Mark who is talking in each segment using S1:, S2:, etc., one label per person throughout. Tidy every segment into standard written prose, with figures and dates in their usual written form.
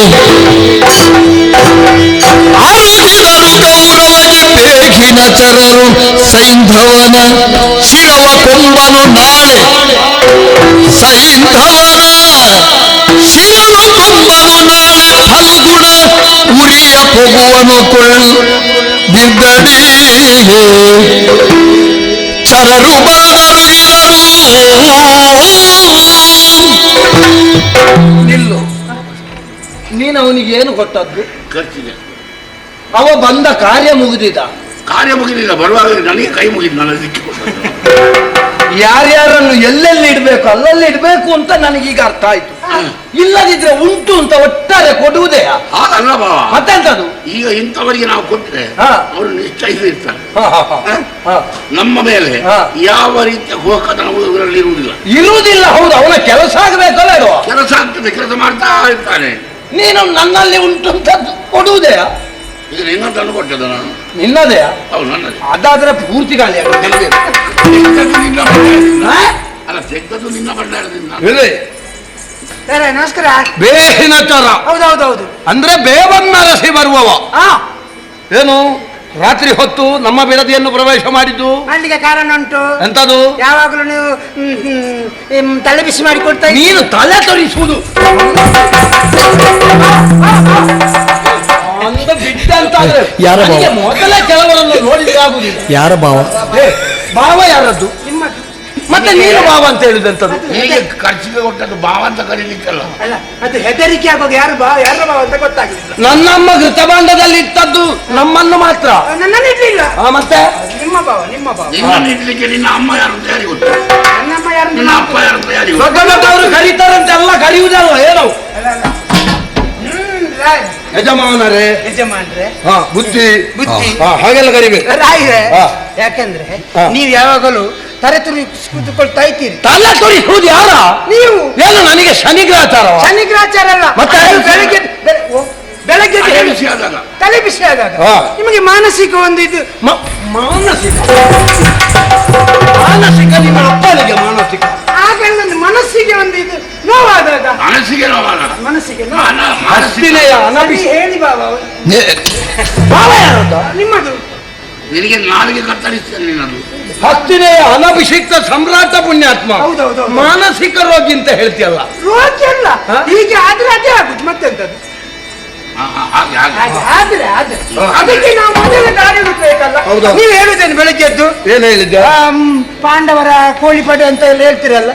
S1: ಆರುದಿದರು ಗೌರವದಿ ಬೇಗಿನ ಚರರು ಸೈಂಧವನ ಶಿರವ ಕೊಂಬನು ನಾಳೆ ಸೈಂಧವನ ಶಿರವ ಕೊಂಬನು ನಾಳೆ ಫಲ್ಗುಣ ಉರಿಯ ಪೊಗುವನು ಕೊಳ್ಳು ಬಿದ್ದಡಿ ಚರರು ಬಂದರು
S2: ನಿಲ್ಲು. ನೀನು ಅವನಿಗೆ ಏನು ಕೊಟ್ಟದ್ದು?
S3: ಖರ್ಚಿಗೆ.
S2: ಅವ ಬಂದ ಕಾರ್ಯ ಮುಗಿದಿದ.
S3: ಕಾರ್ಯ ಮುಗಿದಿಲ್ಲ, ಬರುವಾಗ ನನಗೆ ಕೈ ಮುಗಿದು ನನ್ನ ದಿಕ್ಕಿ ಕೊಟ್ಟ.
S2: ಯಾರ್ಯಾರನ್ನು ಎಲ್ಲೆಲ್ಲಿ ಇಡ್ಬೇಕು ಅಲ್ಲಲ್ಲಿ ಇಡ್ಬೇಕು ಅಂತ ನನಗೀಗ ಅರ್ಥ ಆಯ್ತು. ಇಲ್ಲದಿದ್ರೆ ಉಂಟು ಅಂತ ಒಟ್ಟಾರೆ ಕೊಡುವುದೇ
S3: ಹಾಗಲ್ಲ ಬಾವ.
S2: ಮತ್ತೆಂತದು?
S3: ಈಗ ಇಂಥವರಿಗೆ ನಾವು ಕೊಟ್ಟರೆ ಅವರು ನಿಶ್ಚಯಿಸಿರ್ತಾರೆ ನಮ್ಮ ಮೇಲೆ ಯಾವ ರೀತಿಯ ಹೋಗತನವು ಇವರಲ್ಲಿ
S2: ಇರುವುದಿಲ್ಲ. ಹೌದು, ಅವನ ಕೆಲಸ ಆಗಬೇಕಲ್ಲ.
S3: ಕೆಲಸ ಆಗ್ತದೆ, ಕೆಲಸ ಮಾಡ್ತಾ ಇರ್ತಾನೆ.
S2: ನೀನು ನನ್ನಲ್ಲಿ ಉಂಟು ಅಂತ ಕೊಡುವುದೇ?
S3: ಈಗ ನಿನ್ನ ತಂದು ಕೊಟ್ಟದ ನಾನು.
S2: ನಿನ್ನದೇ?
S3: ಹೌದು, ನನ್ನದೇ.
S2: ಅದಾದ್ರೆ ಪೂರ್ತಿ ಗಾಳಿ
S3: ಅಲ್ಲ, ತೆಗೆದದ್ದು ನಿನ್ನ ಭಂಡಾರದಿಂದ.
S4: ನಮಸ್ಕಾರ.
S2: ಬೇಹಿನ ಚರ.
S4: ಹೌದೌದೌದು.
S2: ಅಂದ್ರೆ ಬೇವನ್ನರಸಿ ಬರುವವ. ಏನು ರಾತ್ರಿ ಹೊತ್ತು ನಮ್ಮ ಬಿಡದಿಯನ್ನು ಪ್ರವೇಶ ಮಾಡಿದ್ದು?
S4: ಮಾಡ್ಲಿಕ್ಕೆ ಕಾರಣ ಉಂಟು.
S2: ಎಂತದು?
S4: ಯಾವಾಗಲೂ ನೀವು ತಲೆ ಬಿಸಿ ಮಾಡಿ ಕೊಡ್ತಾ.
S2: ನೀನು ತಲೆ ತೊರಿಸುವುದು
S1: ಯಾರ ಭಾವ?
S2: ಮೊದಲೇ ಕೆಲವರನ್ನು ನೋಡಿದ್ರೆ ಆಗುದಿಲ್ಲ.
S1: ಯಾರ ಭಾವ?
S2: ಭಾವ ಯಾರದ್ದು?
S4: ನಿಮ್ಮದು.
S2: ಮತ್ತೆ ನೀನು ಭಾವ ಅಂತ ಹೇಳಿದಂತದ್ದು?
S3: ಹೀಗೆ ಖರ್ಚಿಗೆ ಕೊಟ್ಟದ್ದು ಭಾವ ಅಂತ ಕರೀಲಿಕ್ಕಲ್ಲ.
S4: ಅಲ್ಲ, ಅದು ಹೆದರಿಕೆ ಆಗೋದು. ಯಾರು ಭಾವ ಯಾರ ಭಾವ ಅಂತ ಗೊತ್ತಾಗಲಿಲ್ಲ.
S2: ನನ್ನಮ್ಮ ಘೃತಭಾಂಡದಲ್ಲಿ ಇಟ್ಟದ್ದು ನಮ್ಮನ್ನು ಮಾತ್ರ.
S4: ನನ್ನನ್ನು ಇಡ್ಲಿಲ್ಲ.
S2: ಮತ್ತೆ
S4: ನಿಮ್ಮ ಭಾವ, ನಿಮ್ಮ ಭಾವ.
S3: ನಿನ್ನನ್ನು ಇಡ್ಲಿಕ್ಕೆ ನಿನ್ನ ಅಮ್ಮ ಯಾರು ಅಂತ ಯಾರಿಗೆ ಗೊತ್ತು?
S4: ನನ್ನಮ್ಮ ಯಾರು?
S3: ನಿನ್ನ ಅಪ್ಪ ಯಾರು ಅಂತ ಯಾರಿಗೆ ಗೊತ್ತು?
S2: ದೊಡ್ಡ ದೊಡ್ಡವರು ಕರೀತಾರಂತೆ, ಎಲ್ಲ ಕರೆಯುವುದಲ್ವ ಏನು? ಯಜಮಾನರೇ,
S4: ಯಜಮಾನ್ರೆ,
S2: ಬುದ್ಧಿ
S4: ಬುದ್ಧಿ
S2: ಹಾಗೆಲ್ಲ ಕರಿಬೇಕು.
S4: ರಾಯ್ರೆ, ಯಾಕಂದ್ರೆ ನೀವು ಯಾವಾಗಲೂ ತಲೆ ತುರಿ ಕೂತ್ಕೊಳ್ತಾ ಇದ್ದೀರಿ.
S2: ತಲೆ ತುರಿಸುವುದು ಯಾರ?
S4: ನೀವು.
S2: ಏನು ನನಗೆ ಶನಿಗ್ರಹಚಾರ?
S4: ಶನಿಗ್ರಹಚಾರ ಅಲ್ಲ.
S2: ಮತ್ತೆ
S4: ಬೆಳಗ್ಗೆ ಬೆಳಗ್ಗೆ ತಲೆ ಬಿಸಿ ಆದಾಗ ನಿಮಗೆ ಮಾನಸಿಕ ಒಂದು ಇದು.
S2: ಮಾನಸಿಕ ಮಾನಸಿಕ ನಿಮ್ಮ ಅಪ್ಪನಿಗೆ ಮಾನಸಿಕ.
S4: ಆಗ ಒಂದು ಮನಸ್ಸಿಗೆ ಒಂದು ಇದು ನೋವಾದಾಗ.
S3: ಮನಸ್ಸಿಗೆ ನೋವಾದ.
S4: ಮನಸ್ಸಿಗೆ ಹೇಳಿ ಬಾಬಾ.
S2: ಭಾವ ಯಾರದ್ದ?
S4: ನಿಮ್ಮದು.
S3: ನಿನಗೆ ನಾಲಿಗೆ ಕತ್ತರಿಸ್ತೇನೆ ನಿನ್ನದು.
S2: ಹತ್ತಿನೆಯ ಅನಭಿಷಿಕ್ತ ಸಮ್ರಾಟ ಪುಣ್ಯಾತ್ಮ.
S4: ಹೌದೌದು.
S2: ಮಾನಸಿಕ ರೋಗಿ ಅಂತ ಹೇಳ್ತೀಯಲ್ಲ?
S4: ರೋಗಿ ಅಲ್ಲ, ಹೀಗೆ ಆದ್ರೆ ಅದೇ ಆಗುದು. ಮತ್ತೆಂತದ್ದು? ಆದ್ರೆ ಅದಕ್ಕೆ ನಾವು ಮೊದಲೇ ದಾರಿ ಹುಡುಕ್ಬೇಕಲ್ಲ. ನೀವು ಹೇಳುದೇನು ಬೆಳಗ್ಗೆದ್ದು?
S2: ಏನ್ ಹೇಳಿದ್ದೆ?
S4: ಪಾಂಡವರ ಕೋಳಿಪಡೆ ಅಂತ ಎಲ್ಲ ಹೇಳ್ತೀರಲ್ಲ.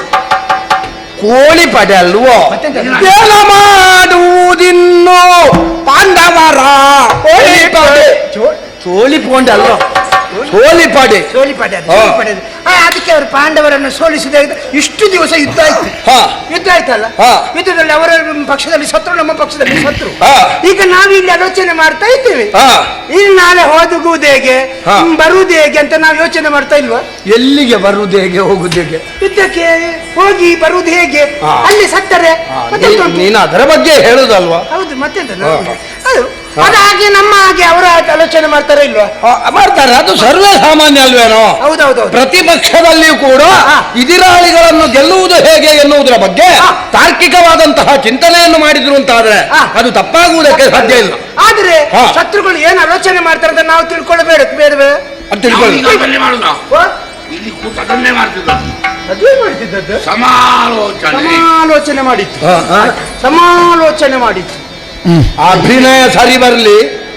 S2: ಕೋಳಿಪಡೆ ಅಲ್ವೋ? ಏನ ಮಾಡುವುದಿನ್ನು ಪಾಂಡವರ ಕೋಳಿಪಡೆ. ಸೋಲಿಪೋಂಡೆ ಅಲ್ವ? ಸೋಲಿಪಡೆ.
S4: ಸೋಲಿಪಡೆ ಅದಕ್ಕೆ ಅವರು ಪಾಂಡವರನ್ನು ಸೋಲಿಸಿದ ಇಷ್ಟು ದಿವಸ ಯುದ್ಧ ಆಯ್ತು. ಯುದ್ಧ ಆಯ್ತಲ್ಲ, ಯುದ್ಧದಲ್ಲಿ ಅವರ ಪಕ್ಷದಲ್ಲಿ ಸತ್ರು, ನಮ್ಮ ಪಕ್ಷದಲ್ಲಿ ಸತ್ರು. ಈಗ ನಾವಿಲ್ಲಿ ಆಲೋಚನೆ ಮಾಡ್ತಾ ಇದ್ದೇವೆ, ಇಲ್ಲಿ ನಾಳೆ ಹೋಗುವುದು ಹೇಗೆ, ಬರುವುದು ಹೇಗೆ ಅಂತ ನಾವು ಯೋಚನೆ ಮಾಡ್ತಾ ಇಲ್ವಾ?
S2: ಎಲ್ಲಿಗೆ ಬರುವುದು ಹೇಗೆ, ಹೋಗುದು ಹೇಗೆ?
S4: ಯುದ್ಧಕ್ಕೆ ಹೋಗಿ ಬರುವುದು ಹೇಗೆ? ಅಲ್ಲಿ ಸತ್ತರೆ
S2: ನೀನು ಅದರ ಬಗ್ಗೆ ಹೇಳುದಲ್ವಾ?
S4: ಹೌದು, ಮತ್ತೆಂತ ಅದು ಅದು ಹಾಗೆ ನಮ್ಮ ಹಾಗೆ ಅವರ ಆಲೋಚನೆ ಮಾಡ್ತಾರ ಇಲ್ವಾ?
S2: ಮಾಡ್ತಾರೆ, ಅದು ಸರ್ವೇ ಸಾಮಾನ್ಯ ಅಲ್ವೇನೋ?
S4: ಹೌದೌದು.
S2: ಪ್ರತಿಪಕ್ಷದಲ್ಲಿಯೂ ಕೂಡ ಇದಿರಾಳಿಗಳನ್ನು ಗೆಲ್ಲುವುದು ಹೇಗೆ ಎನ್ನುವುದರ ಬಗ್ಗೆ ತಾರ್ಕಿಕವಾದಂತಹ ಚಿಂತನೆಯನ್ನು ಮಾಡಿದ್ರು ಅಂತಾದ್ರೆ ಅದು ತಪ್ಪಾಗುವುದಕ್ಕೆ ಸಾಧ್ಯ ಇಲ್ಲ.
S4: ಆದ್ರೆ ಶತ್ರುಗಳು ಏನು ಆಲೋಚನೆ ಮಾಡ್ತಾರೆ ಅಂತ ನಾವು ತಿಳ್ಕೊಳ್ಳಬೇಡ, ಬೇಡವೇ?
S2: ಅದು ತಿಳ್ಕೊಳ್ಳಿ.
S3: ಇಲ್ಲಿ ಕೂತದನ್ನೇ ಮಾಡ್ತಿದ್ದದ್ದು.
S4: ಅದೇ ಮಾಡ್ತಿದ್ದದ್ದು.
S3: ಸಮಾಲೋಚನೆ
S4: ಮಾಡಿತ್ತು. ಸಮಾಲೋಚನೆ ಮಾಡಿತ್ತು.
S2: ಅಭಿನಯ ಸರಿ ಬರ್ಲಿ.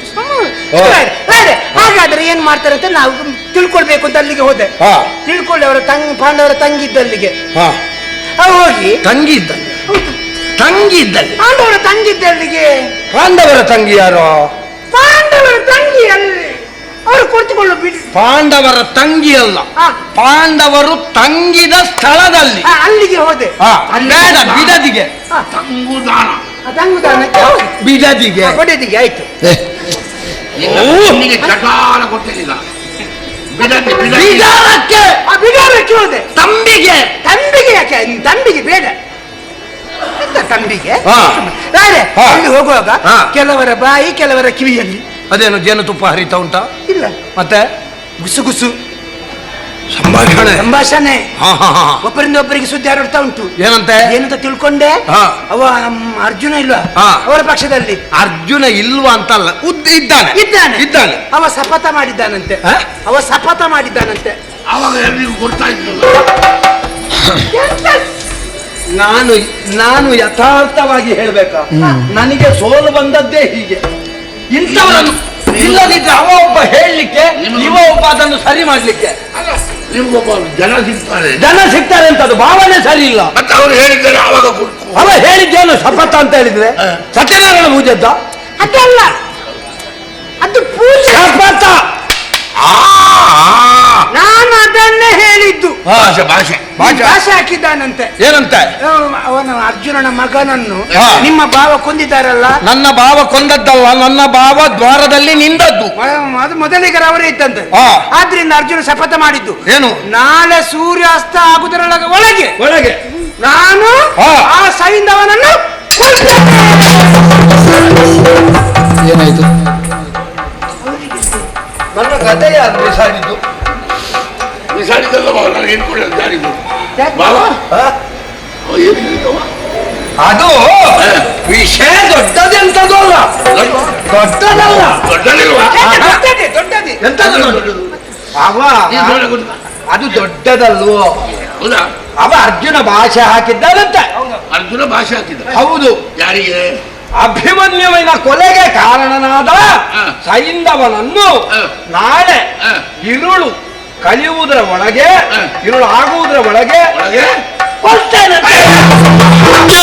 S4: ಹಾಗಾದ್ರೆ ಏನ್ ಮಾಡ್ತಾರೆ ಅಂತ ನಾವು ತಿಳ್ಕೊಳ್ಬೇಕು ಅಂತ ಅಲ್ಲಿಗೆ ಹೋದೆ. ತಿಳ್ಕೊಳ್ಳಿ, ಅವರ ಪಾಂಡವರ ತಂಗಿ ಇದ್ದಲ್ಲಿಗೆ ಹೋಗಿ.
S2: ತಂಗಿ ಇದ್ದಲ್ಲಿ? ತಂಗಿ ಇದ್ದಲ್ಲಿ?
S4: ಪಾಂಡವರ ತಂಗಿ ಇದ್ದಲ್ಲಿಗೆ.
S2: ಪಾಂಡವರ ತಂಗಿ ಯಾರು?
S4: ಪಾಂಡವರ ತಂಗಿ ಅಲ್ಲಿ ಅವರು ಕುಳಿತುಕೊಳ್ಳು ಬಿಡಿ.
S2: ಪಾಂಡವರ ತಂಗಿ ಅಲ್ಲ, ಪಾಂಡವರು ತಂಗಿದ ಸ್ಥಳದಲ್ಲಿ
S4: ಅಲ್ಲಿಗೆ ಹೋದೆ.
S2: ಬೇಡ, ಬಿಡದಿಗೆ.
S3: ತಂಗುದಾನ.
S4: ತಂಗುದಾನಕ್ಕೆ
S2: ಬಿಡದಿಗೆ,
S4: ಕೊಡದಿಗೆ ಆಯ್ತು.
S3: ಚಟಾಲ ಕೊಟ್ಟಿಲ್ಲ.
S4: ಬಿಡಾರಕ್ಕೆ ಹೋದೆ.
S2: ತಂಬಿಗೆ.
S4: ತಂಬಿಗೆ ಯಾಕೆ? ತಂಬಿಗೆ ಬೇಡ. ತಂಬಿಗೆ ಅಲ್ಲಿ ಹೋಗುವಾಗ ಕೆಲವರ ಬಾಯಿ, ಕೆಲವರ ಕಿವಿಯಲ್ಲಿ
S2: ಅದೇನು ಜೇನುತುಪ್ಪ ಹರಿತಾ ಉಂಟಾ?
S4: ಇಲ್ಲ.
S2: ಮತ್ತೆ
S4: ಗುಸು ಗುಸು ಸಂಭಾಷಣೆ
S2: ಹಾ ಹಾ ಹಾ
S4: ಒಬ್ಬರಿಂದ ಒಬ್ಬರಿಗೆ ಸುದ್ದಿ ಹರಡ್ತಾ ಉಂಟು.
S2: ಏನಂತೆ
S4: ಏನಂತ ತಿಳ್ಕೊಂಡೆ?
S2: ಹಾ.
S4: ಅವ ಅರ್ಜುನ ಇಲ್ವಾ
S2: ಹಾ.
S4: ಅವರ ಪಕ್ಷದಲ್ಲಿ?
S2: ಅರ್ಜುನ ಇಲ್ವಾ ಅಂತಲ್ಲ, ಇದ್ದಾನೆ.
S4: ಅವ ಶಪಥ ಮಾಡಿದ್ದಾನಂತೆ.
S2: ಹಾ?
S4: ಅವ ಶಪಥ ಮಾಡಿದ್ದಾನಂತೆ.
S3: ಆವಾಗ ಎಲ್ರಿಗೂ ಗೊತ್ತಾ ಇದ್ದಲ್ಲ.
S2: ನಾನು ಯಥಾರ್ಥವಾಗಿ ಹೇಳ್ಬೇಕಾ, ನನಗೆ ಸೋಲು ಬಂದದ್ದೇ ಹೀಗೆ. ಇಂಥವರನ್ನು ಇಲ್ಲದಿದ್ರೆ ಅವ ಒಬ್ಬ ಹೇಳಲಿಕ್ಕೆ, ಇವ ಒಬ್ಬ ಅದನ್ನು ಸರಿ ಮಾಡ್ಲಿಕ್ಕೆ.
S3: ನಿಮ್ಗೊಬ್ಬ ಜನ
S2: ಸಿಗ್ತಾರೆ ಅಂತ ಅದು ಭಾವನೆ ಸರಿ ಇಲ್ಲ.
S3: ಮತ್ತೆ ಅವ್ರು ಹೇಳಿದ್ದಾರೆ ಆವಾಗ
S2: ಅವ ಹೇಳಿದ್ದೇನು ಶಪಥ ಅಂತ ಹೇಳಿದ್ರೆ ಸತ್ಯನಾರಾಯಣ ಪೂಜೆದ್ದ
S4: ಅದಲ್ಲ, ಅದು ಪೂಜೆ.
S2: ಶಪಥ
S4: ನಾನು ಅದನ್ನೇ ಹೇಳಿದ್ದು.
S3: ಭಾಷೆ
S4: ಭಾಷೆ ಹಾಕಿದ್ದಾನಂತೆ.
S2: ಏನಂತೆ?
S4: ಅವನ ಅರ್ಜುನನ ಮಗನನ್ನು
S2: ಹಾ.
S4: ನಿಮ್ಮ ಭಾವ ಕೊಂದಿದ್ದಾರಲ್ಲ.
S2: ನನ್ನ ಭಾವ ಕೊಂದದ್ದಲ್ಲ, ನನ್ನ ಭಾವ ದ್ವಾರದಲ್ಲಿ ನಿಂದದ್ದು.
S4: ಅದು ಮೊದಲಿಗರ ಅವರೇ ಇದ್ದಂತೆ.
S2: ಹಾ.
S4: ಆದ್ರಿಂದ ಅರ್ಜುನ ಶಪಥ ಮಾಡಿದ್ದು
S2: ಏನು?
S4: ನಾಳೆ ಸೂರ್ಯಾಸ್ತ ಒಳಗೆ ನಾನು
S2: ಹಾ.
S4: ಆ ಸೈಂಧವನನ್ನು
S2: ಏನಾಯ್ತು? ನನ್ನ ಕಥೆ ಯಾರು ಬಿಸಾಡಿದ್ದು?
S3: ಬಿಸಾಡಿದಲ್ಲ ನನಗೆ ಇಟ್ಕೊಳ್ಳಿ ಜಾರಿದ್ದು ಬಾವ ಏನು ಹೇಳಿದವ?
S2: ಅದು ವಿಷಯ ದೊಡ್ಡದೆಂತದೂ ಅಲ್ಲ, ದೊಡ್ಡದಲ್ಲ.
S3: ದೊಡ್ಡದಿಲ್ವಾ?
S4: ದೊಡ್ಡದಿ
S2: ಎಂತದು
S3: ದೊಡ್ಡದು
S2: ಅವ ಅದು ದೊಡ್ಡದಲ್ವೋ?
S3: ಹೌದಾ?
S2: ಅವ ಅರ್ಜುನ ಭಾಷೆ ಹಾಕಿದ್ದಾನಂತೆ.
S3: ಅರ್ಜುನ ಭಾಷೆ ಹಾಕಿದ್ದ.
S2: ಹೌದು.
S3: ಯಾರಿಗೆ?
S2: ಅಭಿಮನ್ಯುವಿನ ಕೊಲೆಗೆ ಕಾರಣನಾದ ಸೈಂಧವನನ್ನು ನಾಳೆ ഇരുಳು ಕಲಿಯುವುದರ ಒಳಗೆ, ഇരുಳು ಆಗುವುದರ ಒಳಗೆ
S3: ಒಳಗೆ
S2: ಕೊಲ್ತೇನೆ.